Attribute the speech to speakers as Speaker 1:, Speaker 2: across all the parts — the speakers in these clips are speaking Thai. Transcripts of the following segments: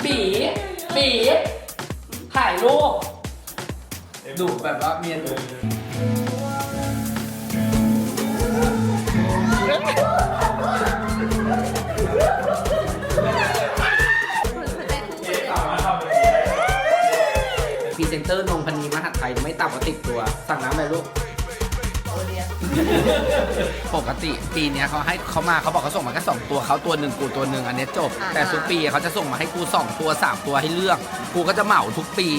Speaker 1: ปีปีถ่ายรูปดูแบบว่าเมียดูพรีเซนเตอร์นงพนีมหาไทยไม่ต่ำกว่า10 ตัวสั่งน้ำอะไรลูกปกติปีนี้เขามาเขาบอกเขาส่งมาแค่2 ตัวเขาตัวหนึ่งกูตัวหนึ่งอันนี้จบแต่ทุกปีเขาจะส่งมาให้กู2 ตัว3 ตัวให้เลือกกูก็จะเหมาทุกปี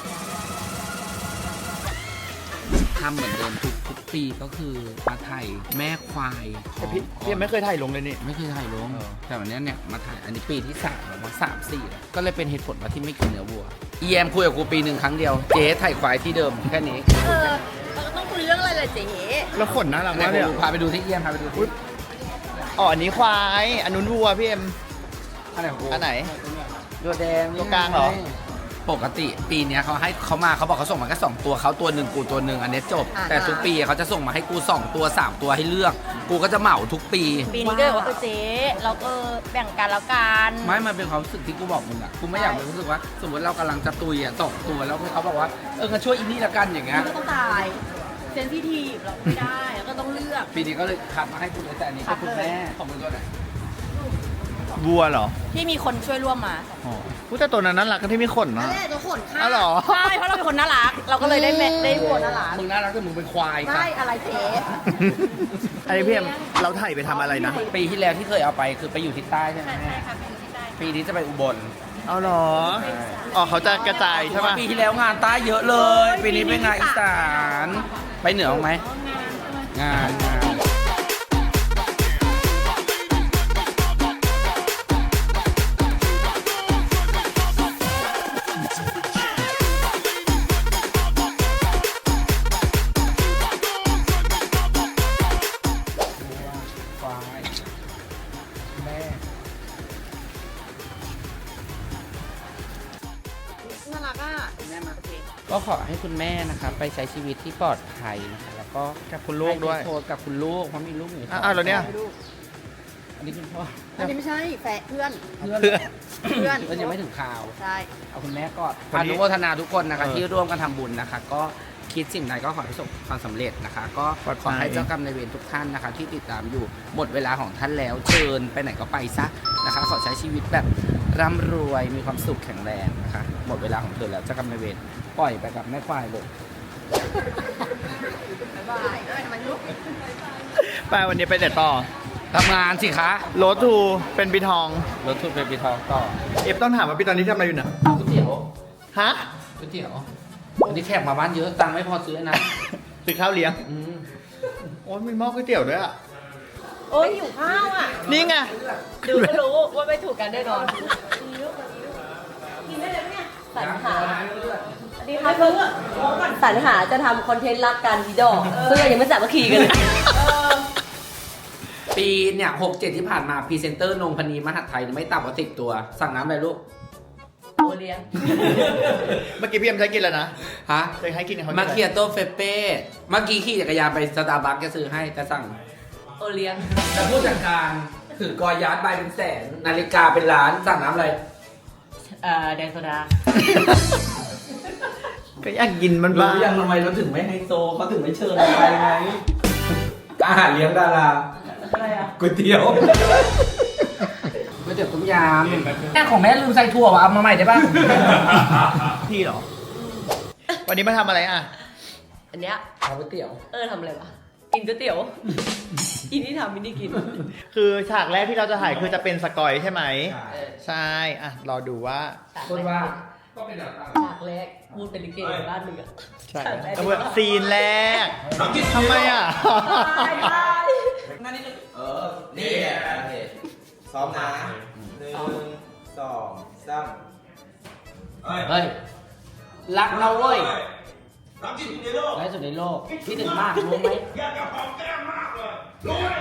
Speaker 1: ทำเหมือนเดิมทุกปีก็คือมาถ่ายแม่ควาย
Speaker 2: พี่ยังไม่เคยถ่ายลงเลยนี่
Speaker 1: ไม่เคยถ่ายลงแต่วันนี้เนี่ยมาถ่ายอันนี้ปีที่3แล้วมา3-4แล้วก็เลยเป็นเหตุผลว่าที่ไม่กินเนื้อวัวอีแอมคุยกับกูปีหนึ่งครั้งเดียวเจ๊ถ่ายควายที่เดิมแค่นี้
Speaker 3: เราก็ต้องคุยเรื่องอะไรล่ะเจ๊
Speaker 2: แล้วขนน่ารักมากเลย
Speaker 1: พาไปดูที่เอียมพาไปดูที่
Speaker 2: อ๋ออันนี้ควายอันนู้นวัวพี่เอ็ม
Speaker 1: อันไหนของกู
Speaker 2: อันไหน
Speaker 1: ตัวแดง
Speaker 2: ตัวกลางเหรอ
Speaker 1: ปกติปีนี้เขามาเขาบอกเขาส่งมาแค่2 ตัวเขาตัวหนึ่งกูตัวหนึ่งอันนี้จบแต่ทุกปีเขาจะส่งมาให้กู2 ตัว3 ตัวให้เลือกกูก็จะเหมาทุกปี
Speaker 3: ปีนี้ก็เลยว่าเจ๊เราก็แบ่งกันแล้วกัน
Speaker 1: ไม่มันเป็นความรู้สึกที่กูบอกมึงอ่ะกูไม่อยากรู้สึกว่าสมมติเรากำลังจะตุยอ่ะ2 ตัวแล้วเขาบอกว่าก็ช่วยอีนี่ละกันอย่างเงี้ย
Speaker 3: ก็ต้องตายเซนซิทีฟเราไม่ได้ก็ต้องเลือก
Speaker 1: ปีนี้ก็เลยคัดมาให้กูเลยแต่อันนี้ก็คุณแม่ของมึงตัวไหน
Speaker 2: วัวเหรอ
Speaker 3: ที่มีคนช่วยร่วมมา
Speaker 2: อ๋อแต่ตัวนั้นน่ารักก็ที่มีขนนะ
Speaker 3: ตัวขนค่ะ
Speaker 2: อ๋อเหรอ
Speaker 3: ใช่เพราะเราเป็นคนน่ารักเราก็เลยได้วัวน่ารัก
Speaker 1: มึงน่ารักแต่มึงเป็นควาย
Speaker 3: ใช่อะไรเจ๊
Speaker 2: อันนี้พี่เอ็มเราถ่ายไปทำอะไรนะ
Speaker 1: ปีที่แล้วที่เคยเอาไปคือไปอยู่ที่ใต้ใช่ไหม
Speaker 3: ใช่ค่ะไปอยู่ที่ใต้
Speaker 1: ปีนี้จะไปอุบล
Speaker 2: เอาเหรออ๋อเขาจะกระจายใช่ไหม
Speaker 1: ปีที่แล้วงานใต้เยอะเลยปีนี้เป็นงานอีสานไปเหนือไหมงานก็ขอให้คุณแม่นะคะไปใช้ชีวิตที่ปลอดภัยนะคะแล้วก็
Speaker 2: กับคุณลูกด้วย
Speaker 1: โทรกับคุณลูกเพราะมีลูกอยู่
Speaker 2: แล้วเนี่ย
Speaker 1: อันนี้คุณพ่อ
Speaker 3: อันนี้ไม่ใช่แฟนเพื่อน
Speaker 1: ยังไม่ถึงข่าว
Speaker 3: ใช่
Speaker 1: เอาคุณแม่ก่อนอนุโมทนาทุกคนนะคะที่ร่วมกันทำบุญนะคะก็คิดสิ่งใดก็ขอให้ประสบความสำเร็จนะคะก็ขอให้เจ้ากรรมนายเวรทุกท่านนะคะที่ติดตามอยู่หมดเวลาของท่านแล้วเชิญไปไหนก็ไปซะนะคะขอใช้ชีวิตแบบร่ำรวยมีความสุขแข็งแรงนะคะหมดเวลาของเธอแล้วเจ้ากรรมนายเวรปล่อยไปกับแม่ควายเลย
Speaker 2: ไปวันนี้ไปเด็ดต่อ
Speaker 1: ทำงานสิคะ
Speaker 2: รถทูเป็นปีทอง
Speaker 1: รถทูเป็นปีทองต่อ
Speaker 2: ต้องถามว่าปีตอนนี้ทำอะไรอยู่เนี่ย
Speaker 1: ก๋วยเตี๋ยว
Speaker 2: ฮะ
Speaker 1: ก๋วยเตี๋ยววันนี้แขกมาบ้านเยอะตังค์ไม่พอซื้อนะ
Speaker 2: ซื้อข้าวเลี้ยงโอ้ยมีหม้อก๋วยเตี๋ยวด้วยอ่ะ
Speaker 3: โอ้ยหิวข้าวอ่ะ
Speaker 2: นี่ไง
Speaker 3: ดูก็รู้ว่าไม่ถูกกันแน่นอนกินได้เลยเนี่ยสรรหาดีค่ะเพิ่งสรรหาจะทำคอนเทนต์รักกันดีดอกเพื่อยังไม่จับมาขี่กันเลย
Speaker 1: ปีเนี่ย6-7ที่ผ่านมาพรีเซนเตอร์นงพนีมหาไทยไม่ต่ำกว่า10 ตัวสั่งน้ำอะไรลูก
Speaker 3: โอเลี้ยง
Speaker 2: เมื่อกี้พี่เอ็มใช้กินแล้วนะ
Speaker 1: ฮะ
Speaker 2: เคยให้กินเขา
Speaker 1: มาเคียโต้เฟเป้เมื่อกี้ขี่จักรยานไปสตาร์บัคจะซื้อให้จะสั่ง
Speaker 3: โอเลี้ยง
Speaker 1: แต่ผู้จัดการถือกอยาร์ดใบเป็นแสนนาฬิกาเป็นล้านสั่งน้ำอะไร
Speaker 3: แดงโซดา
Speaker 2: ก็อยากกินมันบ้าง
Speaker 1: ยังทำไมเราถึงไม่ไฮโซเขาถึงไม่เชิญอะไรไงอาหารเลี้ยงดารา
Speaker 3: อะไรอ่ะ
Speaker 1: ก๋วยเตี๋ยวก๋วยเตี๋ยวต้มยำแม่ของแม่ลืมใส่ถั่วว่ะเอามาใหม่ได้ป่ะ
Speaker 2: พี่เหรอวันนี้มาทำอะไรอ่ะ
Speaker 3: อันเนี้ย
Speaker 1: เอาก๋วยเตี๋ยว
Speaker 3: ทำอะไรวะกินก๋วยเตี๋ยวอินที่ทำมินนี่กิน
Speaker 2: คือฉากแรกที่เราจะถ่ายคือจะเป็นสกอยใช่ไหมใช่อ่ะรอดูว่า
Speaker 1: คนว่า
Speaker 3: ฉากแรกพูดเป็นลิเกบ้านมึงอ่ะ
Speaker 2: ใช่ซีนแรกทำไมอ่ะ
Speaker 1: นั่นนี่
Speaker 4: นี่ซ้อมนะ1 2 3
Speaker 1: เฮ้ยรักเราเว้ย
Speaker 4: รักที่สุดในโลก
Speaker 1: รักที่สุดในโลกที่ถึงมากรู้ไหม
Speaker 4: อยากจะหอมแก้มมากเลยรู้ไหม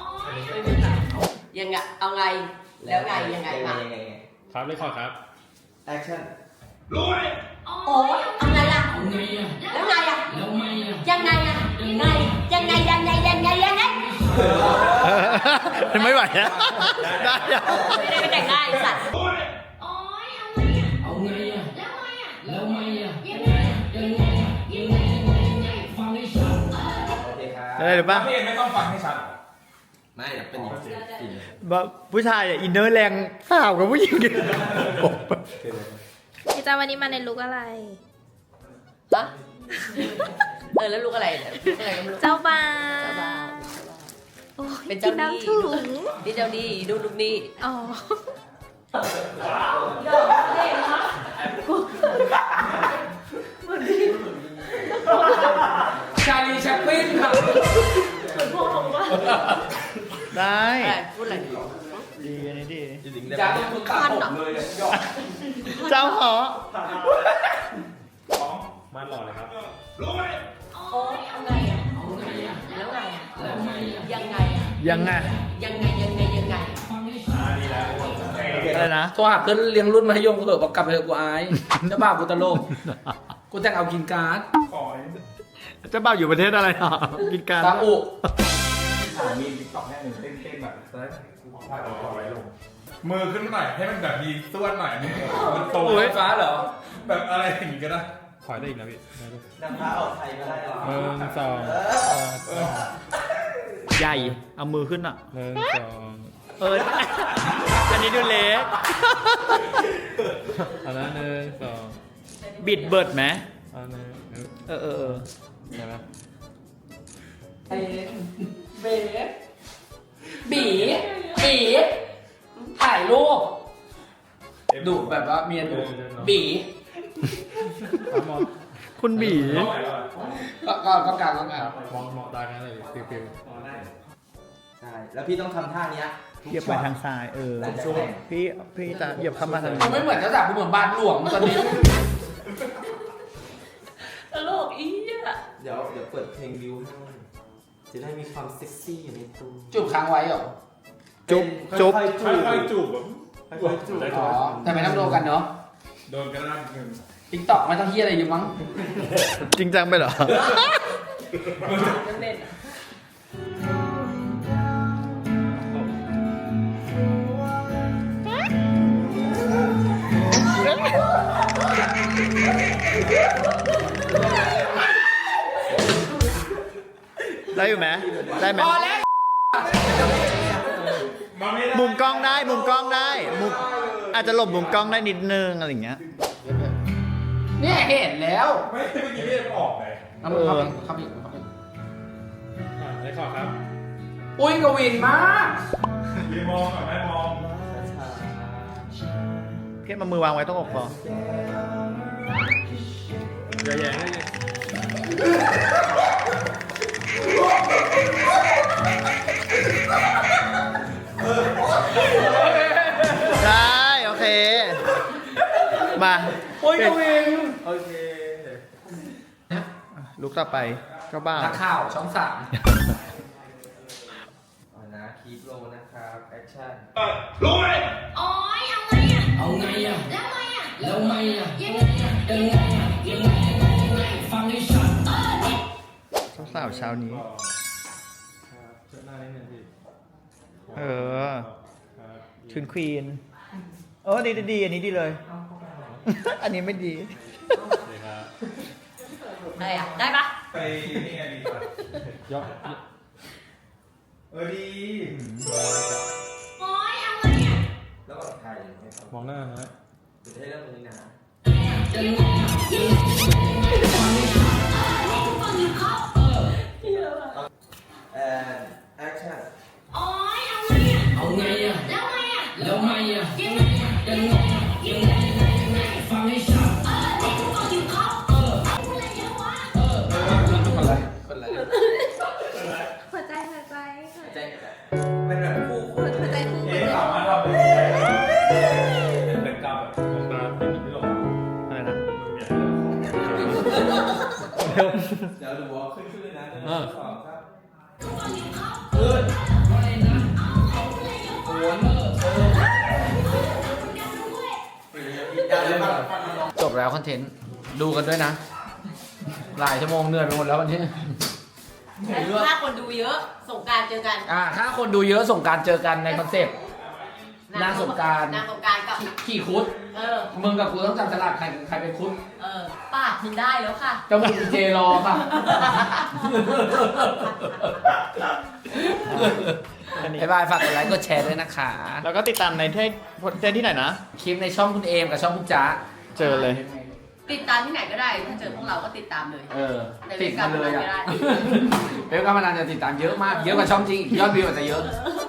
Speaker 3: ยังไงเอาไงแล้วไงยังไงมา
Speaker 5: ครับเลยขอครับ
Speaker 4: แอคชั่นรู้ไหม
Speaker 3: โอ้ยเอาไงล่ะแล้วไงอ่ะยังไงอ่ะยังไง
Speaker 2: ไม่ไหวนะได้
Speaker 3: ไม่ได้ไปแต่งหน้าไอ้สัตว์
Speaker 5: ไงอ่ะแล้วไงอ่ะยังไงฟังให้ชัด
Speaker 4: โอเคครับ
Speaker 2: อะไรหรือปะ
Speaker 6: พี่เอ็มไม่ต้องฟังให้ชัด
Speaker 4: ไม่เดี๋ยวเป็นอีกสี
Speaker 2: ผู้ชายอ่ะอินเนอร์แรงสาวกับผู้หญิง
Speaker 7: พี่จ้าวันนี้มาในลุคอะไร
Speaker 3: ปะแล้วลูกอะไรเนี่ยลูกอะไรก็ไม่รู้
Speaker 7: เจ้าบ่า
Speaker 3: เจ้าบ่าว
Speaker 7: วโอ้ย
Speaker 3: เป็น
Speaker 7: กิ
Speaker 3: เจ้าน หนี้
Speaker 7: น้ำถุง
Speaker 3: นี่เจ้าดีดูลูกหนี้
Speaker 7: อ๋อ
Speaker 1: ชาลีแชปปิ้นครับ
Speaker 2: ได้
Speaker 3: พูดอะไรดี
Speaker 2: ดีอันนี้ดี
Speaker 4: จริงๆได้
Speaker 1: จาก
Speaker 4: ไหม
Speaker 1: ที่คุณตัดผมเลยเนี่ยยอด
Speaker 2: เจ้าหอ
Speaker 6: มาหล่อเลยครับ
Speaker 4: รวย
Speaker 3: โอ้ยเอาไงอ่ะแล้วไงอ่ะยังไงอ่ะ
Speaker 2: ยังไง
Speaker 3: ยังไงยังไง
Speaker 2: อะไรนะ
Speaker 1: โทรหาเพื่อนเลี้ยงรุ่นมัธยมกูเถอะบอกกลับไปเถอะกูอายเจ้าบ่าวกูตลกกูแต่งเอากินการ์ด
Speaker 2: เจ้าบ่าวอยู่ประเทศอะไรเนาะกินกัน
Speaker 1: ซาอุ
Speaker 6: มีติ๊กต็อกแค่หนึ่งเต้นแบบเซิร์ชภาพเอาไว้ลงมือขึ้นมาหน่อยให้มันแบบมีส่วนหน่อยมันโต
Speaker 1: ไฟฟ้าเหรอ
Speaker 6: แบบอะไรอย่างงี้ก็ได้ถอยได้อีกนะพี่
Speaker 4: นำพาออกไทยก็ได้หรอ
Speaker 6: สอง
Speaker 2: ใหญ่เอามือขึ้นอ่ะ
Speaker 6: สอง
Speaker 2: อันนี้ดูเล็ก
Speaker 6: อันนั้นหนึ่งสอง
Speaker 2: บิดเบิดไหม
Speaker 6: อันนั้น
Speaker 2: เออ
Speaker 6: ใช่ไหม
Speaker 1: เบบีถ่ายรูปดุแบบว่าเมียดุบี
Speaker 2: คุณบี
Speaker 1: ก็กลาง
Speaker 6: มองตากันเลยฟิว
Speaker 4: ใช่ แล้วพี่ต้องทำท่านี้
Speaker 2: เหยียบไปทางซ้ายพี่จะเหยียบเข้ามาทาง
Speaker 1: กู
Speaker 2: นี้
Speaker 1: ไม่เหมือนเจ้าสาวกูเหมือนบ้านหลวงตอนนี้
Speaker 3: ตลกอีอ่ะ
Speaker 4: เดี๋ยวเปิดเพลงวิวให้จะได้มีความเซ็กซี่อยู่ในตัว
Speaker 1: จูบค้างไว้เหรอ
Speaker 2: จุ๊บ
Speaker 4: ค่อยๆจูบ
Speaker 6: ค่อยๆจูบแบบ
Speaker 4: ค่อยๆจูบ
Speaker 1: อ๋อแต่ไม่ต้องโดนกันเนาะ
Speaker 6: โดนกันแล้วหนึ่ง
Speaker 1: ติ๊กต็อกไม่ต้องเฮียอะไรอยู่มั้ง
Speaker 2: จริงจังไปเหรอ
Speaker 3: ยังเล่นอ่ะ
Speaker 2: ได้อยู่ไหมได้ไหม
Speaker 1: พอแล้ว
Speaker 2: มุมกล้องได้มุมอาจจะหลบมุมกล้องได้นิดนึงอะไรอย่างเงี้ย
Speaker 1: เนี่ยเห็นแล้ว
Speaker 6: ไม่เมื่อกี้พี่เอ็มออกเลย
Speaker 1: เอามือเข้าไปอีก
Speaker 6: ได้ขอครับ
Speaker 1: อุ้ยกวินมาก
Speaker 6: ยืนมองก่อนไม่มอง
Speaker 2: เพี้ยนมามือวางไว้ต้องอกพอ
Speaker 6: อย่าแย่งเลย
Speaker 2: ได้โอเค มา
Speaker 1: โอ้ยกวิน
Speaker 4: โอเค
Speaker 2: ลุกต่อไปก็บ้า
Speaker 1: นักข่าวช่องสาม
Speaker 4: เอานะคีปโลนะครับ แอคชั่น
Speaker 5: โอ้ยเอาไงอ่ะแล้วไงอ่ะยังไงฟังให้ชัด
Speaker 2: สาวเช้านี้
Speaker 6: เชิญหน้านิดนึงพี่
Speaker 2: เออชุนควีนดีอันนี้ดีเลย อันนี้ไม่ดี
Speaker 3: ได้อ่ะได้ปะ
Speaker 6: ไปนี่ไงดีกว่าย่อดี
Speaker 4: แล้วก็ถ่ายให้เขา
Speaker 6: มองหน้าฮะ
Speaker 4: จะได้เริ่มตรงนี้นะแอคชั่น
Speaker 5: เอาไงอ่ะแล้วไงอ่ะยังไงฟังให้ชัด
Speaker 4: คนละ
Speaker 7: หัวใจ
Speaker 4: ใจเป็นแบบคู่
Speaker 7: หัวใจคู่
Speaker 6: เอ๊ะสามารถทำเป็นเป็นกรรมแบบมองตาเป็นที่หลง
Speaker 2: อะไรนะ
Speaker 4: เดี๋ยวดูว่าขึ้นเลยนะ1 2 3ขึ้น
Speaker 1: จบแล้วคอนเทนต์ดูกันด้วยนะ หลายชั่วโมงเหนื่อยไปหมดแล้ววันนี้
Speaker 3: ถ้าคนดูเยอะสงกรารเจอกัน
Speaker 1: ถ้าคนดูเยอะส่งการเจอกันในคอนเซปต์นางสงกราร
Speaker 3: นางสงกรารกับ
Speaker 1: ขี่คุด
Speaker 3: เ
Speaker 1: มึงกับกูต้องจับฉลากใครเป็นคุด
Speaker 3: ปากมึงได้แล้วค่ะ
Speaker 1: จมูกเจรอค่ะ บ๊ายบายฝากกดไลค์กดแชร์ด้วยนะคะ
Speaker 2: แล้วก็ติดตามในที่ไหนนะ
Speaker 1: คลิปในช่องคุณเอมกับช่องคุณจ๊ะ
Speaker 2: เจอเลย
Speaker 3: ติดตามที่ไหนก็ได้ ถ้าเจอพวกเราก็ติดตามเลย
Speaker 1: ติดมาเลยอ่ะ
Speaker 3: ในเว็บการพนันไม่ได้
Speaker 1: เว็บการพนันจะติดตามเยอะมาก เยอะกว่าช่องจริงอีกยอดวิวอาจจะเยอะ
Speaker 3: เ